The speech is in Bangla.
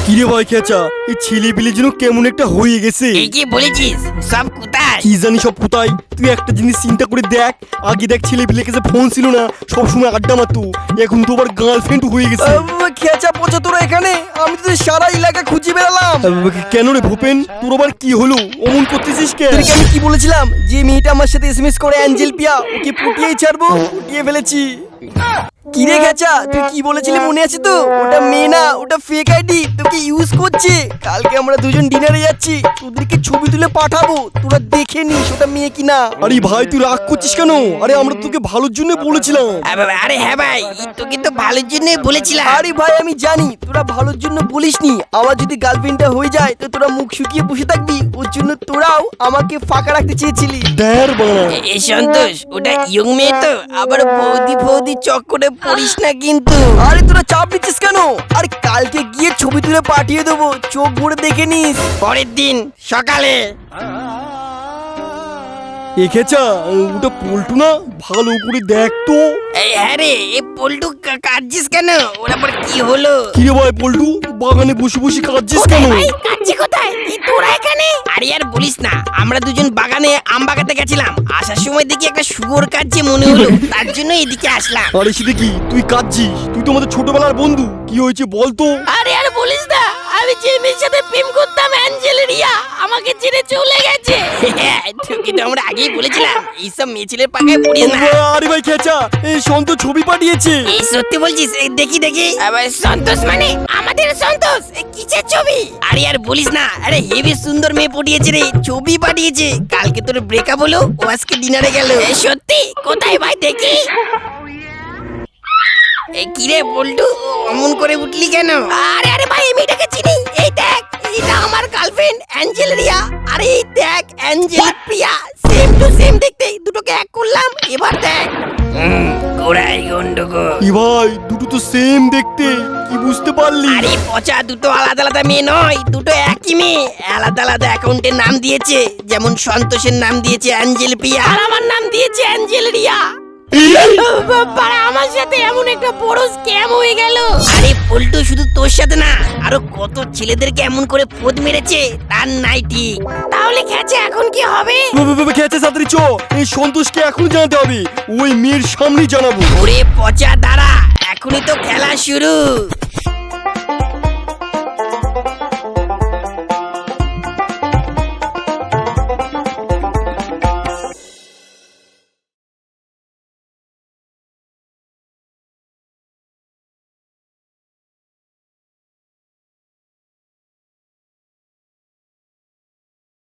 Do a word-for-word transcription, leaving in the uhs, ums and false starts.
কিরে ভাই খেচা, এই ছেলে পিলে যেন কেমন একটা হয়ে গেছে। এই কি বলেছিস? সব কোথায়? কি জানি সব কোথায়। তুই একটা জিনিস চিন্তা করে দেখ, আগে দেখ ছেলে পিলে কাছে ফোন ছিল না, সবসময় আড্ডা মারতো, এখন তো আবার গার্লফ্রেন্ড হয়ে গেছে। খেচা পচা তোরা এখানে, আমি তো সারা এলাকা খুঁজে বেড়ালাম। কেন রে ভূপেন, তোর আবার কি হলো? অমন করতেছিস কেন? তোদেরকে আমি কি বলেছিলাম যে মেয়েটা আমার সাথে এসএমএস করে অ্যাঞ্জেল পিয়া, ওকে পুটিয়েই ছাড়বো, পুটিয়ে ফেলেছি। কিরে খেচা, তুই কি বলেছিলি মনে আছে তো? ওটা মেয়ে না, ওটা ফেক আইডি, তোকে ইউজ করছে। কালকে আমরা দুজন ডিনারে যাচ্ছি, তোদেরকে ছবি তুলে পাঠাবো, তোরা দেখে নিস ওটা মেয়ে কিনা। আরে ভাই তুই রাগ করছিস কেন? আরে আমরা তোকে ভালোর জন্য বলেছিলাম। আরে হ্যাঁ ভাই, তোকে তো ভালোর জন্য বলেছিলাম। আরে ভাই আমি জানি তোরা ভালোর জন্য বলিসনি, আমার যদি গার্লফ্রেন্ডটা হয়ে যায় তো তোরা মুখ শুকিয়ে বসে থাকবি, ওর জন্য তোরাও আমাকে ফাঁকা রাখতে চেয়েছিলি। দেড় বানা এই সন্তোষ, ওটা ইয়ং মেয়ে তো, আবার বৌদি ফৌদি চক্করে পড়িস না কিন্তু। আরে তোরা চাপ নিচ্ছিস কেন? আরে কালকে গিয়ে ছবি তুলে পাঠিয়ে দেবো, চোখ ভরে দেখে নিস। পরের দিন সকালে এ খেচা, ওটা পল্টু না? ভালো করে দেখ তো। এই হ্যাঁ রে, এই পল্টু কা- কাঁদছিস কেন? ওর আবার কি হলো? কিরে ভাই পল্টু, বাগানে বসে বসে কাঁদছিস কেন? কাঁদছি কোথায়? এই তোরা এখানে? আরে আর বলিস না, আমরা দুজন বাগানে আম বাগাতে গেছিলাম, আসার সময় দেখি একটা শুয়োর কাঁদছে মনে হলো, তার জন্য এদিকে আসলাম। আরে সেটা কি, তুই কাঁদছিস? তুই তো আমাদের ছোটবেলার বন্ধু, কি হয়েছে বল তো? আরে আর বলিস না, আমি যে মেয়ের সাথে প্রেম করতাম অ্যাঞ্জেলিয়া, আমাকে ছেড়ে চলে গেছে। তোকে তো আমরা আগেই বলেছিলাম এইসব মেয়ে ছেলের পাকায় পড়িস না। আরে ভাই খেচা, এই সন্ত ছবি পাঠিয়েছে। এই সত্যি বলছিস? এই দেখি দেখি। আবার সন্তোষ মানে আমাদের সন্তোষ? এ কিসের ছবি? আরে আর বলিস না, আরে হেবি সুন্দর মেয়ে পাঠিয়েছে রে, ছবি পাঠিয়েছে। কালকে তোর ব্রেকআপ হলো, ও আজকে ডিনারে গেল। এ সত্যি? কোথায় ভাই দেখি? এই কিরে বল্টু, অমন করে উঠলি কেন? আরে আরে ভাই, আমি এটাকে চিনি, এই দেখ, এটা আমার গার্লফ্রেন্ড অ্যাঞ্জেলিয়া। আরে এই দেখ, angel Priya, same to same দেখতে, দুটোকে এক করলাম, এবার দেখ। হুম, গোড়াই গন্ডগোল। ই ভাই, দুটো তো সেম দেখতে, কি বুঝতে পারলি? আরে পচা, দুটো আলাদা আলাদা মেয়ে নয়, দুটো একই মেয়ে, আলাদা আলাদা অ্যাকাউন্টের নাম দিয়েছে। যেমন সন্তোষের নাম দিয়েছে অ্যাঞ্জেল প্রিয়া, আর আমার নাম দিয়েছে অ্যাঞ্জেল রিয়া। বাবা, আমার সাথে এমন একটা বড় স্ক্যাম হয়ে গেল। আরে পল্টু, শুধু তোর সাথে না, আরো কত ছেলেদেরকে এমন করে ফোদ মেরেছে, তার নাই ঠিক। তাহলে খেছে এখন কি হবে? খেচা সাঁতারি চ, এই সন্তোষকে এখন জানাতে হবে, ওই মেয়ের সামনে জানাবো। ওরে পচা, দাঁড়া, এখনই তো খেলা শুরু।